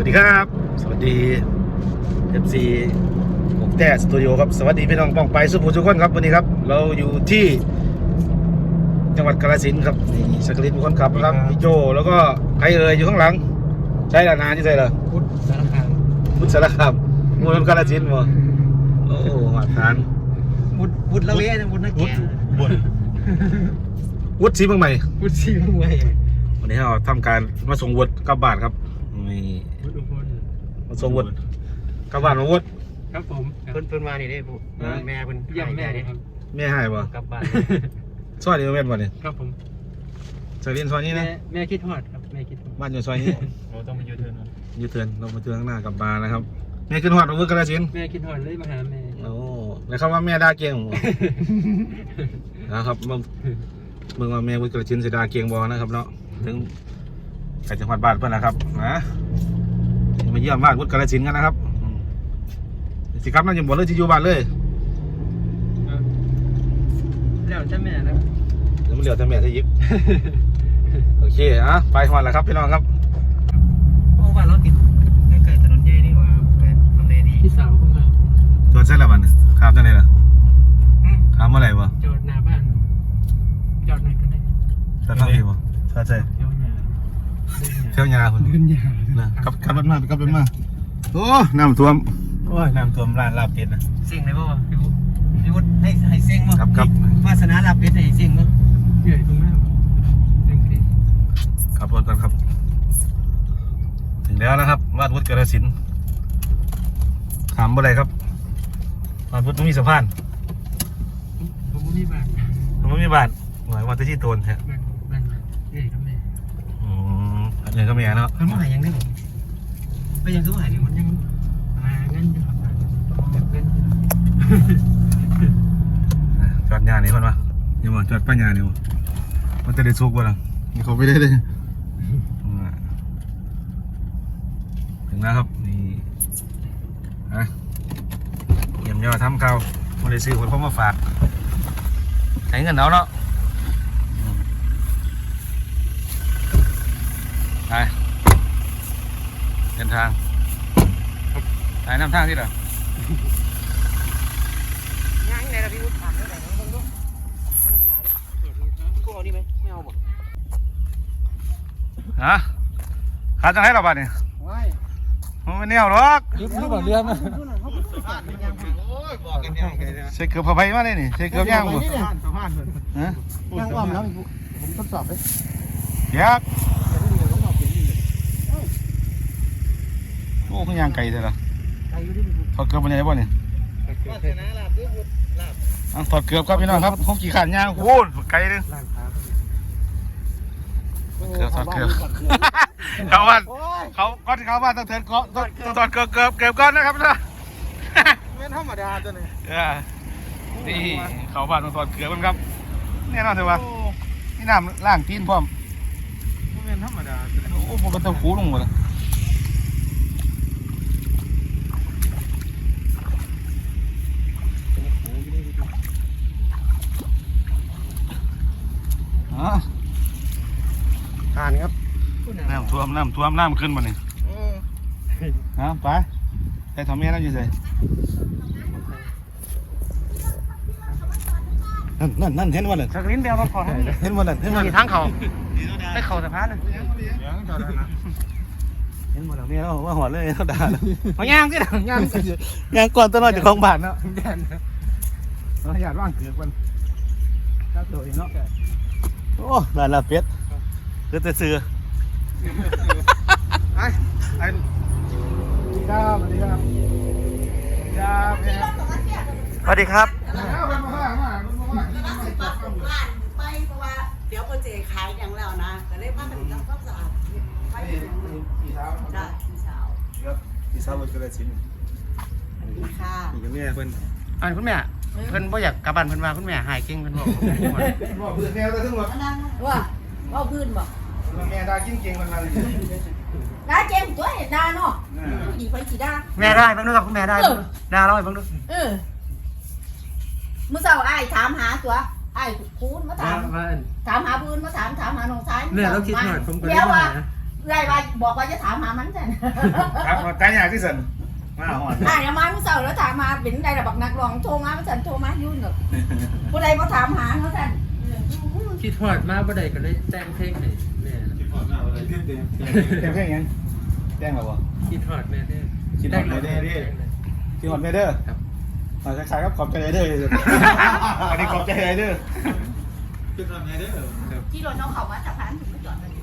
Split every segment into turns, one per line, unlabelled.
วัสดีครับสวัสดี FC กกแต้สตูดิโอครับสวัสดีพี่น้องป้องไปสุภูทุกคนครับวันนี้ครับเราอยู่ที่จังหวัดกาฬสินธุ์ครับนี่สักลินเป็นคนขับครับพี่โจแล้วก็ใครอยู่ข้างหลังใช่ละนานที่ใช่ละ
พุทธสารคาม
พุทธสารคามมูลกาฬสินธุ์มั้งโอ้มาทาน
พุทธละเวนะพุทธนักแก่
วุฒิศรีเมืองใหม่
พุทธศรีเมืองใหม่
วันนี้เราทำการมาส่งวุฒิกลับบ้านครับนี่มาส่งวุฒิกลับบ้านมาวุฒิ
ครับผมเพิ่นมานี่ได้ปุ๊แม่เพิ่นย่ำแม่นี่ครับ
แม่ให้ป่ะ
กลับบ้าน
ซอยนี้แม่บ่เนี่ย
ครับผม
ซอยนี้ซอยนี้นะ
แม่คิดฮอดครับแม่คิดฮอด
บ้านอยู่ซอยนี้
เราต้องไปยูเทิร์น
ยูเทิร์นเรามาเทิร์นข้างหน้ากลับบ้านนะครับแม่ขึ้นฮอดวุฒิกาฬสินธุ์
แม่คิดฮอดเลยมาหาแม่
โอ้แล้วเขาว่าแม่ด่าเก่งนะครับมึงว่าแม่วุฒิกาฬสินธุ์เสียดาเก่งบ่นะครับเนาะถึงใครจังหวัดบ้านเพื่อนนะครับนะมาเยี่ยมบ้านวุฒิกาฬสินธุ์กันนะครับสิครับนั่นยังบ่เลยที่อยู่บ้านเลย
แล้วจ้าแม่แล้ว
แล้วมันเหลือแต่แม่ที่ยิบโอเคไปฮอดแล้วครับพี่น้องครับ
โอ้บ้านเราติดใกล้ถนนใหญ่นี่หว่าทำเลดีพี่สาวเข้ามา
จอดเส้นละวันครับจังไดล่ะถามเมื่อไหร่บ่
จอดหน้าบ้านจอดไหนก็ได้
จอดทางนี้บ่จอดใช่เที่ยวยาคนขับรถมาโอ้น้ำท่วมโอ้ยน้ำท่วมร้านลาบเป็ดนะ
เสียงเลยป่ะพี่วุฒิให้เสียงมั้ง
ครับ
วาสนาลาบเป็ดให้เสียงมั้งเหนื่อยตรงนั้น
ขับรถกันครับถึงแล้วนะครับบ้านวุฒิกาฬสินธุ์ถามอะไรครับบ้านวุฒิต้องมีสะพาน
ผมไม่มีบ้าน
หมายว่าจะที่โตนแท้
บ้านนี่ก็แม่
อันนี้ก็แม่เนาะ
มันมาหายังได้หรอไปยังคือมาหาเนี่ยมันยังมาเงินอยู่ครับเงิน
จอดยาเนี่ยมันวะนี่มันจอดป้ายยาเนี่ยมันจะได้ซุกบ่ล่ะนี่เขาไม่ได้เลยถึงแล้วครับนี่เยี่ยมยอดทำข้าวมาได้ซื้อคนพ่อมาฝากใช้เงินเอาเนาะไปเดินทางไปน้ำทางที่ไหน
ย่างไหนล่ะพี่วุฒิถามได้ไหนน้องดูน้ำหนาดิกูเอานี่ไหมไม่เอาหมด
ขาจังให้เราบ้านเนี่ยไม่เนี่ยหรอก
ยุบหรือเปล่าเรือมา
ใส่เกือบผ้าใบมาเลยนี่ใส่เกือบย่างบ่
ย่างอ้อมแล้วผมทดสอบเลย
ยักโอ้คุณย่างไก่เลยเหรอถอดเกือบไปไหนบ่เนี่ยถอดเกือบครับพี่น้องครับเขาขี่ขันย่างโอ้ไก่เลยเกือบถอดเกือบเขาบ้านเขาต้องเถินก้อนต้องถอดเกือบก้อนนะครับนะ
ไม่ธรรมดาตัวนี้
นี่เขาบ้านต้องถอดเกือบกันครับแน่นอนเถอะวะนี่น้ำล่างตีนพร้อม
ไม่ธรรมดา
โอ้โหมันต้องคูลงหมดเลย
ทานครับ
น้ำท่วมน้ำขึ้นมาเนี่ยไปใส่ทำเมียนั่นอยู่เลยนั่นเห็นวันนั้น
สักลิ้นเดียวก็พอ
เห็นวันนั้น
มีทั้งเขาได้เข่าสะพานเลย
เห็นวันนั้นเมียเราว่าหัวเลยเขาด่า
เขาย่างสิ
ย่างก่อนตลอดจากของบาทเนาะเราอยากว่างเกือบกันถ้าตัวเองเนาะโอ้ด่านลาเป็ดคือแต่เสือไอ้ครับสวัสดีครับ
สวัสดีครับ
ไปเพราะว่าเดี๋ยวคนเจขายอย่างแล้วนะแต่เล่นผ้ากันทำความสะอาดไป
ปีเช้า
ได้ปีเช้า
ครับปีเช้ามันก็ได้ชิ้น
ค่ะ
อย่างนี้เพิ่น
คุณแม่เพิ่นบ่อยากกลับบ้านเพิ่นมาคุณแม่หายเก่งเพิ่นบอก
พื้นแนวเลยทั้งหมด
ว่าพื้นบอก
แม่ได้กิ้งเก่งมันมาเลย
ได้เก่งตัวเห็นได้เนาะผู้หญิงไปกี่ได้
แม่ได้บ้างด้วยครับคุณแม่ได้ด่าเราให้บ้างด้วย
เมื่อเช้าไอ้ถามหาตัวไอ้คูณมาถามหาพื้นมาถามหาน้องชาย
เนี่ยเราคิดหน่อยผมก็
เดี๋ยวว่า
ไรว่าบอกว่าจะถามหามันจัน
ครับมาแต่อยากที่สุดมาหอน
อ่าเดี๋ยวมาเมื่อเช้าแล้วถามมาเป็นใดระบักนักร้องโทรมาเมื่อจันโทรมายุ่นหรอกผู้ใดมาถามหาเขาจัน
คิดฮอดมาบ่ได้ก็เลยแต่งเพลงให้แม่
แจ้งแค่ยังแจ้งเราบ่
คิดฮอดแม่เด้อ
คิดฮอดแม่เด้อ ที่หอนเมเดอร์
ครับ
คล้ายๆกับขอบใจเดอร์อันนี้ขอบใจเดอร์
ที่รถน้องเขามาจากร้านถึงไม่จอดเลย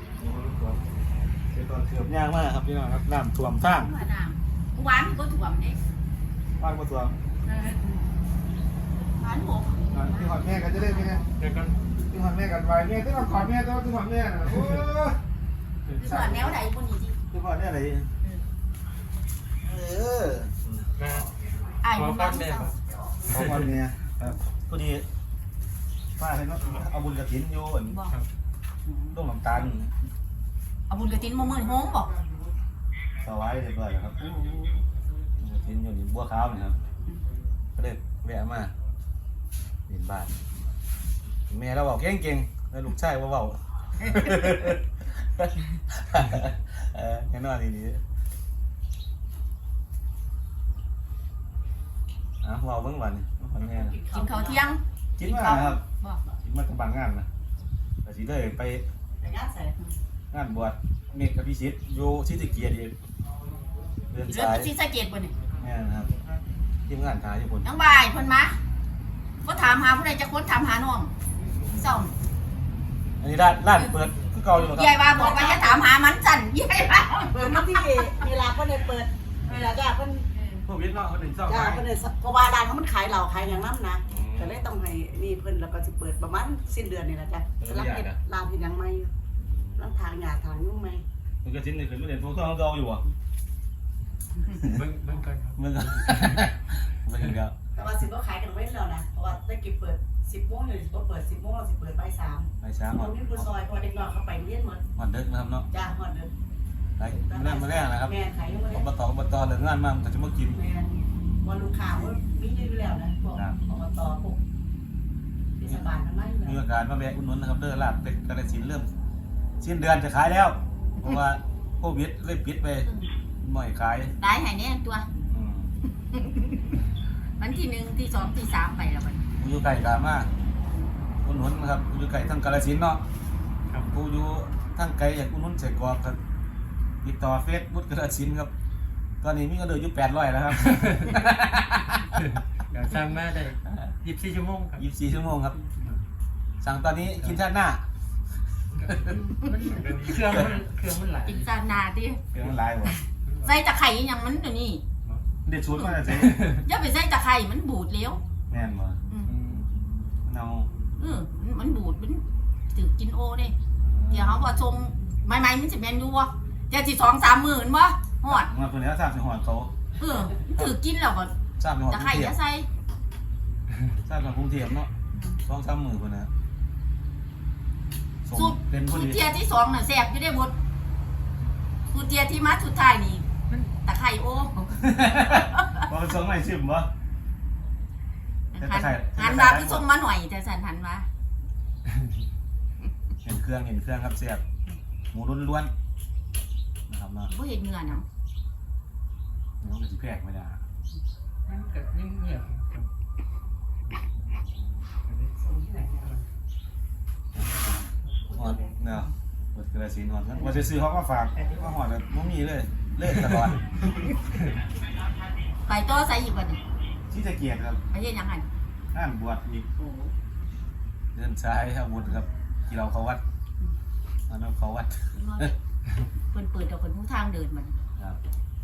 เป็นตอนเกือบยากมากครับพี่น้องครับน้ำท่วมทาง
เมื่อนางหวานก็ถ่วมนี่
บ้านก็ท่วม
หวานหก
ที่หอนแม่กันจะได้ไหมเนี่ย
แล้วก็
ที่หอนแม่กันไว้แม่ที่เราขอแม่ตัวที่หอนแม่น่ะโอ้
ที่สอนแนวใดคนนี้ที่
ที่หอนแม่อะไรอ
มา
ไอ้
ขอ
บุญ
ฟั
บ้าง น
แม่
เจ้า
ครับ
ขอคนเนี่ยครับพอดีป้าให้น้องเอาบุญกระถินอยู่อัน
บอก
ต้องน้ำตาล
เอาบุญกระตินมาเมื่อโฮงบอก
สวายเรียบร้อยแล้วครับบุญกระถินอยู่ในบัวขาวนี่ครับก็เลยแวะมาเรียนบ้านแม่เราบอกเก่งๆแล้วลูกชายว่าเบาแน่นอนดีๆเบาเบิ่งวันวันแม่นะ
กินข้าวเที่ยง
คิดว่าครับ
บอก
คิดว่าจะบางงานนะแต่สิเลยไป
แต่ญาติใส่
งานบวชเมฆกับพิชิตอยู่ที่ตะเกียรดีเดิน
เรื่อง
สาย
ที่สะเก็ดบ่เนี่ย
แม่นะครับทีมงานทายอยู่คน
น้องบายเพิ่นมาก็ถามหาผู้ใดจะค้นถามหาน้องเศร้า
อันนี้ร้านเปิดคือเก่าอยู่ค
ยา
รั
ยว่าบอกว่าจะถามหามันจันยายว่า
เปิดมาที่เวลาเพิ่นได้เปิดเวลาจ้าเพิ่น
พวกวิทย์เนาะคนหนึ่งเศร้า
จ้า
ขาย
เพิ่นได้เพราะว่าร้านเขามันขายเหล้าขายอย่างนั้นนะก็เลยต้องให้นี่เพิ่นแล้วก็สิเปิดประมาณสิ้นเดือนนี่ล่ะจ้ะรับเฮ็ดร้านเฮ็ดหยังใหม่ร้านทางหญ้าทางยุ่งใหม่
มันก็ชิ้นนี่คือไม่เด่นพวกเครื่องเก่าอยู่อ่ะ
เบิ่งกันครับ
มึงไม่ถึงแล้ว
แต่ว่าสิบ่ขายกันไว้แล้วนะเพราะว่าได้กี่เปิด 10 โมงเลยบ่เปิด 10 โมงเราสิเปิดบ่าย 3
ไปช้าห
ต
อ
ร
ด
งนี้ผู้ซอยพอเด็กน้อยเขาไปเรียนหมด
หอดเด็กนะครับเนาะ
จ้าฮอดเด้อ
ไปเรื่องมาแรกนะครับ
แม่ขายยังบ่ได้
อบตเรื่องงานมาแต่จะมากิน
แม่บ่ลูกค้าว่ามีอยู่แล้วนะพวกอบตพวกเทศบาลทั้งนั้น
มีโอกาสมาแวะอุดหนุนนะครับเด้อลาบเป็ดกระสินเริ่มสิ้นเดือนจะขายแล้ว เพราะว่าโควิดเลยปิดไปหน่อยขาย
ตายหายแน่ตัว
อืม
วันที่1ที่2ที่3ไปแล้วบัด
ผู้อยู่ไก่กามาอุดหนุนนะครับผู้อยู่ไก่ทั้งกาฬสินธุ์เนาะ
ครับ
ผู้อยู่ทั้งไก่อยากอุดหนุนใส่กรอบครับติดต่อเฟซบุ๊กกาฬสินธุ์ครับตอนนี้มีเงินเดือนอยู่800แล้วครับ
เดี๋ยวสร้างมาได้24ชั่วโมงครับ
24ชั่วโมงครับสั่งตอนนี้กินชาติหน้า
เครื่องมันหลาย
กินซานาติ
เปลี่ยนมันลายหมด
ใส่ตะไคร้อหยังมันเดี๋ยวนี้
เด็ดชุดมาจะใส่
อย่าไปใส่ตะไคร้มันบูดแล้ว
แม่นบ่
อืม
มันเอา
มันบูดมันถือกินโอเด้เดี๋ยวเขาบ่ชงใหม่ๆมันสิแม่นอยู่บ่เดี๋ยวสิ2-3 มื้อบ่ฮอด
มาคนนี้ทราบสิหอดเขา
มันถือกินแล้วก็
ทราบสิหอด
ตะ
กรุ
ไคร้
งเท
อ
พ
ย่าใส่
ทราบจากกรุงเทพเนาะ2-3 มื้อพุ่นนะส่ง
สูตร
เป็นผู้
สูตร
ดี
เทียที่2น่ะแซ่บอยู่ได้หมดสูตรเทียที่มาสุดท้ายนี่ตะไคร้โอ
บ่ส่งให้ชิมบ่
หันมาคือส่งมาหน่อยแต่สันหันมา
เห็นเครื่องครับเสียบหมูล้วนๆนะครับเนาะ
บ่เห็นเงื่อนเนาะ
น้องจะสิแพรกไม่ได้
มันก็นิ่งเงียบครับ
หอดเนาะเปิดกระสีหอดนั้นว่าจะซื้อเขาก็ฝากก็หอดแบบบ่มีเลยเลิกตลอด
ไปต่อใส่อีกบัดนี้
ที่ตะเกียบครับ
ไปเฮ็ดหยังหั่น
งานบวชอีกเดินซ้ายอาวุธครับที่เราเขาวัดอันนั้นเขาวัด
เพิ่นเปิดเอาคนผู้ทางเดินมัน
ครับ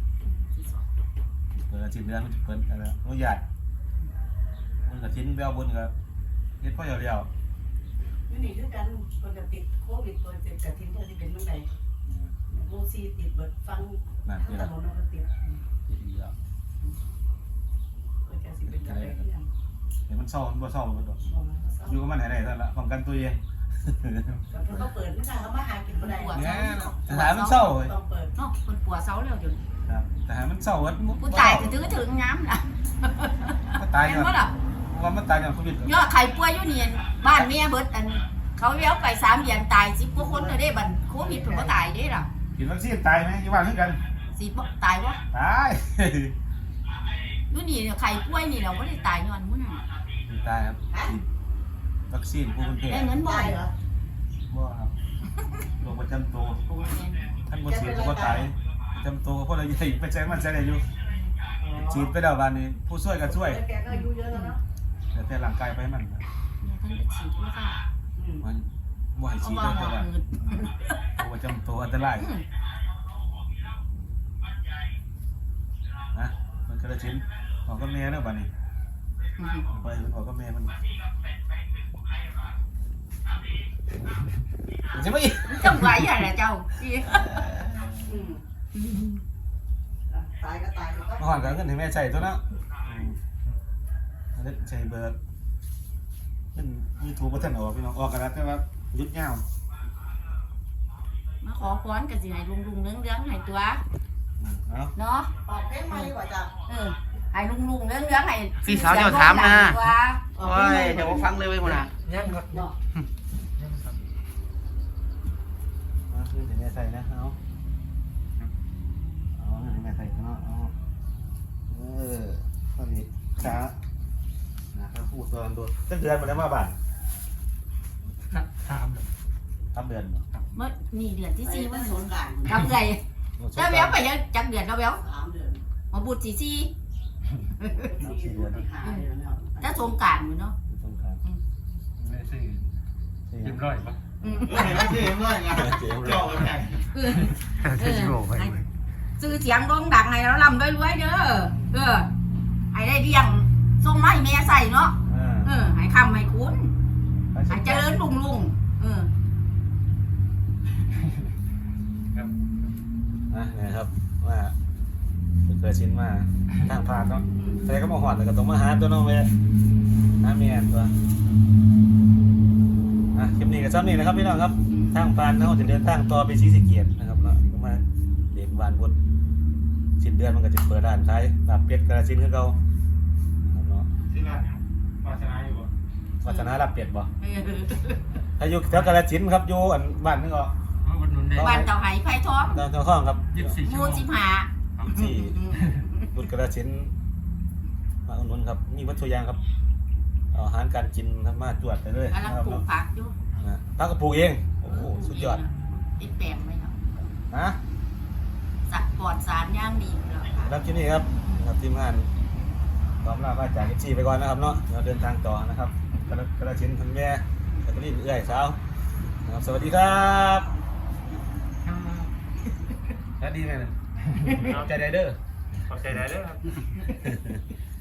เปิดอาทิตย์เดือนมันจะเปิดอะไรอนุญาตมันกระทิ้นแววบนครับเฮ็ดพ่อเดียว
นี่นี่คือกันคนจะติดโควิดคนติดกระถิ่นเพิ่นสิเป็นเมื่อใดโมซีติดเบิดฟัง
นั่น
ทั้
คื
ง
อ
ถนนก็ติด
เดียว
ก็จะสิเป็นอะไรที่ยัง
เห็นมันเศร้ามันบ่เศร้ามันดอก
มองแล้วก็เศร้า
อยู่กับมันไหนๆท่านละป้องกันตัวเอง
ก็เพิ่นก็เปิดไม่ได้เขามาหากินบ่ได้
เนี่ยแต่หามันเศร้าเว้ย
ต้องเปิด
เนาะเพิ่นปัวเซาแล้วเดี๋ยวนี้
ครับแต่หามันเศร้าวัด
ผู้ตายก็ถือถึงงามล่ะ
มันตาย
เห็น
ก่อน
บ่ล่ะ
ว่ามันตายก่อนโควิด
ยอดไข่ป่วยอยู่นี่บ้านเมียเบิดอันเขาเลี้ยวไป3 เดือนตาย10 กว่าคนเลยได้บัดโควิดเพิ่นบ่ตายเด้ล่ะ
กินวัคซีนตายไหมอยู่บ้านคือกัน
สิบ่ตายวะ
ตาย
นู่นนี่เนี่ยไข่ป่วยนี่เราบ่ได้ตายย้อนมื้อนั้น
ตายครับฉีดวัคซีนภูมิแพ้
ได้เงินบ่
ได้เหรอ
บ่ครับโรคประจำตัว
โอ้ยแม่น
ท่านบ่ฉีดก็บ่ตายประจำตัวเพราะอะไรใหญ่ไปแจ้งมันแจ้งได้อยู่ฉีดไปแล้ววันนี้ผู้ช่วยก็ช่วย
แกก็อายุเยอะแล้วเนาะ
แต่ร่างกายไปมัน
เนี่ยท่านไปฉีดแล้วค่ะ
มันบ่ให้
เอา
ฉีด
ว่า
ได้
หม
แต่
อ
ว่า
หืด
โรคประจำตัวอันตรายนะมันกระชิ้นออกกับแม่เนาะบัดนี้ไปมันออกกับแม่มันใช่ไหม
จังไหวอะไรเจ้าอี
ตายก็ตายไปก็
มาหอนกันขึ้นถึงแม่ใส่ตัวเนาะใส่เบอร์เป็นยูทูบประเทศออกพี่น้องออกกันแล้วแต่ว่ายุดเงา
มาขอพรกันสิให้ลุงๆเรื่องๆให้ตัว
เอา
เนาะ
ออกเพลงใหม่ดีกว่าจ้ะ
ให้ลุงๆเรื่องๆให้
พี่สาวเจ้าถามนะ
ตัว
โอ้ยเดี๋ยวผมฟังเลยเว้ยคนน่ะ
ยังครับ
เนาะ
มาขึ้นถึงแม่ใส่นะเอาขึ้นถึงแม่ใส่เนาะเอาตอนนี้ช้าถ้าพูดตอนโดนจะเดือนมาแล้วมาบ้าน
ถาม
ทำเดือน
เมื่อนี่เดือนที่
ที่
4
วั
วัน น
ส
ส
ง
ง
กรานต์
กำไรแล้วแววไปยังจักเดือนแล้วแวว
3 เดือน
มาบุตร4
4 เดือน5 เดือนแล้ว
ถ้าสงกรานต์อยู่เนาะ
สงการ
ไม่ซื้อเรียบร้อยปะ
ไม่ใช่เมื่อไงเจ้าไง
ซื้อเสียงโด่งดังให้เราลำรวยๆเด้อให้ได้เลี้ยงส่งมาให้แม่ใส่เนาะให้คำให้คุณให้เจริญรุ่ง
นะครับว่าเกิดชิ้นมาทางผ่านเนาะแต่ก็มาหอดแต่ก็ต้องมาหาตัวน้องเว้ยหาเมียตัวคลิปนี้ก็ซ้ำนี่นะครับพี่น้องครับทางผ่านเขาจะเดินทางต่อไปศรีสะเกษนะครับเนาะก็มาเด็กวานบุญสิ้นเดือนมันก็จะเปิดร้านขายลาบเป็ดกระชิ้นคือเก่าเนาะ
ที่ร้านวาสนาอยู่บ่
วัฒนาลาบเป็ดบ่
ๆ
ถ้าอยู่แถวกระชิ้นครับอยู่อันบ้านนึงก็
วันนุ่นได้
บ้านเต่าไหไผ่ทอง
ทางข้องครับ
24
ห
ชั่ว
มู่
โมง
15
ที่บุญกระชิ้นมาอุดหนุนครับมีวัตถุยางครับอาหารการกินทำมาจวดไปเลย
กำลังปลูกผักอยู่
พักก็ปลูกเองโอ้โหสุดยอด
ติดแปลงไว้เนาะ
นะ
สัตว์ปลอดสารย่างดีแล้วค่ะ
รับที่นี่ครับทีมงานพร้อมลาพระจากเอฟซีไปก่อนนะครับเนาะเราเดินทางต่อนะครับกระชิ้นคุณแม่กระลิ่นเอื้อยสาวนะครับสวัสดีครับสวัสดีแม่
ขอบใจได้เด้อครับ